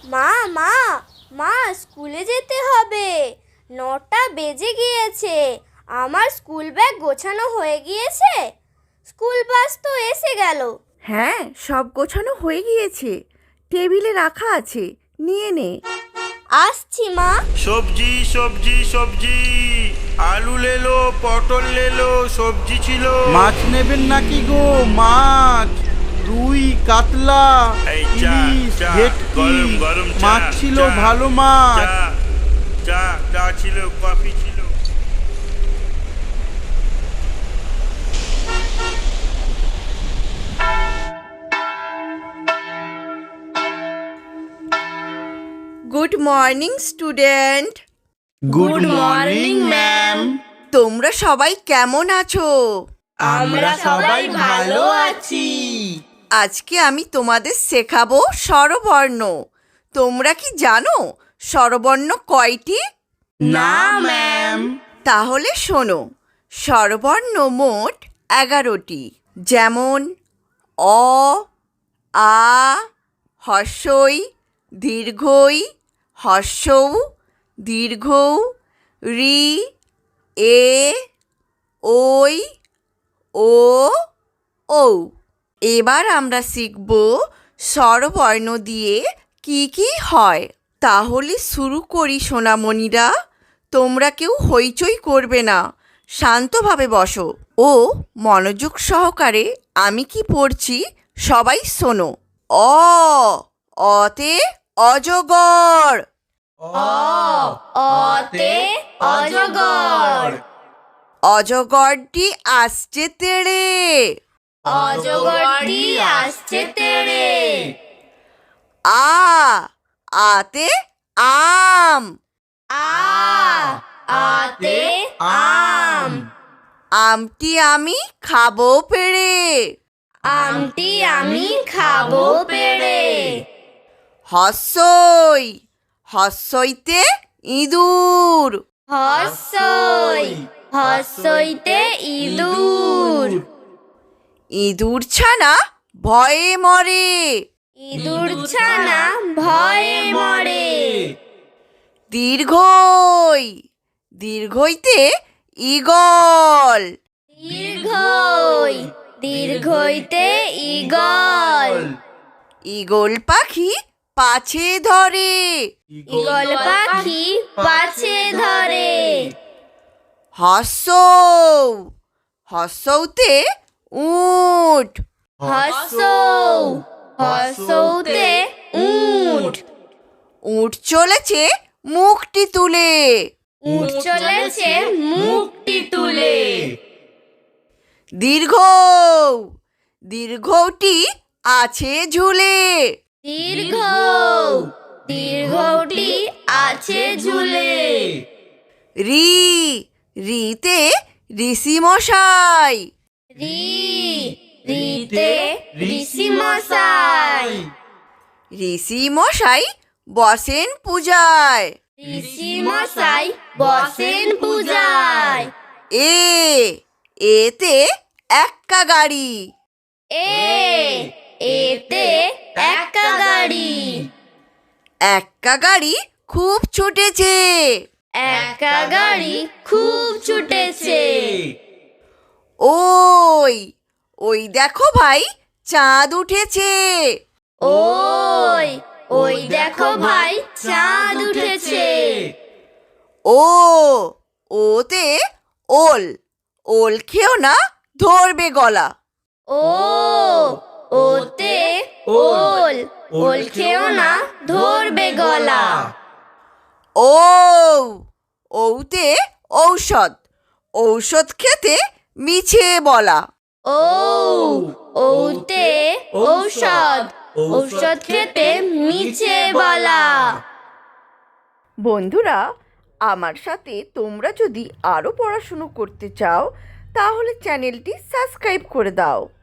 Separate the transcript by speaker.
Speaker 1: মা মা মা স্কুলে যেতে হবে, 9টা বেজে গিয়েছে। আমার স্কুল ব্যাগ গোছানো হয়ে গিয়েছে? স্কুল বাস তো এসে গেল।
Speaker 2: হ্যাঁ, সব গোছানো হয়ে গিয়েছে, টেবিলে রাখা আছে, নিয়ে নে।
Speaker 1: আসছি মা।
Speaker 3: সবজি সবজি সবজি, আলু লেলো, পটল লেলো, সবজি ছিল।
Speaker 4: মাছ নেবেন নাকি গো? মাছ, রুই, কাতলা,
Speaker 3: এই চা,
Speaker 4: ইলিশ,
Speaker 3: চা,
Speaker 4: ভেটকি,
Speaker 3: গরম গরম চা,
Speaker 4: মাছ ছিল,
Speaker 3: চা,
Speaker 4: ভালো মাছ।
Speaker 3: চা, চা, চা ছিল, কফি ছিল।
Speaker 2: Good morning student.
Speaker 4: Good morning ma'am.
Speaker 2: তোমরা সবাই কেমন আছো?
Speaker 4: আমরা সবাই ভালো আছি।
Speaker 2: আজকে আমি তোমাদের শেখাবো স্বরবর্ণ। তোমরা কি জানো স্বরবর্ণ কয়টি?
Speaker 4: না ম্যাম।
Speaker 2: তাহলে শোনো, স্বরবর্ণ মোট 11টি। যেমন অ, আ, হর্ষই, দীর্ঘই, হর্ষৌ, দীর্ঘৌ, রি, এ, ওই, ও, ঔ। এবার আমরা শিখব স্বরবর্ণ দিয়ে কি কি হয়। তাহলে শুরু করি সোনামণিরা। তোমরা কেউ হইচই করবে না, শান্তভাবে বসো ও মনোযোগ সহকারে আমি কি পড়ছি সবাই শোনো। অ, অতে অজগর।
Speaker 1: অতে অজগর।
Speaker 2: অজগরটি আসছে তেড়ে।
Speaker 1: অজগরটি আসছে তেড়ে।
Speaker 2: আ, আতে আম।
Speaker 1: আতে আম।
Speaker 2: আমটি আমি খাবো পেড়ে।
Speaker 1: আমটি আমি খাবো পেড়ে।
Speaker 2: হর্ষই, হর্ষইতে ইঁদুর।
Speaker 1: হর্ষই, হর্ষইতে ইঁদুর।
Speaker 2: ইঁদুর ছানা ভয়ে মরে।
Speaker 1: ইঁদুর ছানা ভয়ে মরে।
Speaker 2: দীর্ঘই, দীর্ঘইতে ঈগল।
Speaker 1: দীর্ঘই, দীর্ঘইতে ঈগল।
Speaker 2: ঈগল পাখি পাছে ধরে।
Speaker 1: ঈগল পাখি পাছে ধরে।
Speaker 2: হর্ষৌ, হর্ষৌতে উট।
Speaker 1: হর্ষৌ, হর্ষৌতে উট।
Speaker 2: উট চলেছে মুখটি তুলে।
Speaker 1: উট চলেছে মুখটি তুলে।
Speaker 2: দীর্ঘৌ, দীর্ঘটি আছে ঝুলে।
Speaker 1: দীর্ঘ, দীর্ঘটি আছে ঝুলে।
Speaker 2: রি, রিতে ঋষি মশাই।
Speaker 1: রি, রিতে ঋষি মশাই।
Speaker 2: ঋষি মশাই বসেন পূজায়।
Speaker 1: ঋষি মশাই বসেন পূজায়।
Speaker 2: এ, এতে এক্কা গাড়ি।
Speaker 1: এ, এতে এক্কা গাড়ি।
Speaker 2: এক্কা গাড়ি খুব ছুটেছে।
Speaker 1: এক্কা গাড়ি খুব ছুটেছে।
Speaker 2: ওই, ওই দেখো ভাই চাঁদ উঠেছে।
Speaker 1: ওই, ওই দেখো ভাই চাঁদ উঠেছে।
Speaker 2: ও, ওতে ওল, ওল খেও না ধরবে গলা।
Speaker 1: ও, ওতে ওল, ওল খেও না ধরবে গলা।
Speaker 2: ও, ওতে ঔষধ, ঔষধ খেতে মিছে বলা।
Speaker 1: ও, ওতে ঔষধ, ঔষধ খেতে মিছে বলা।
Speaker 2: বন্ধুরা, আমার সাথে তোমরা যদি আরও পড়াশুনো করতে চাও তাহলে চ্যানেলটি সাবস্ক্রাইব করে দাও।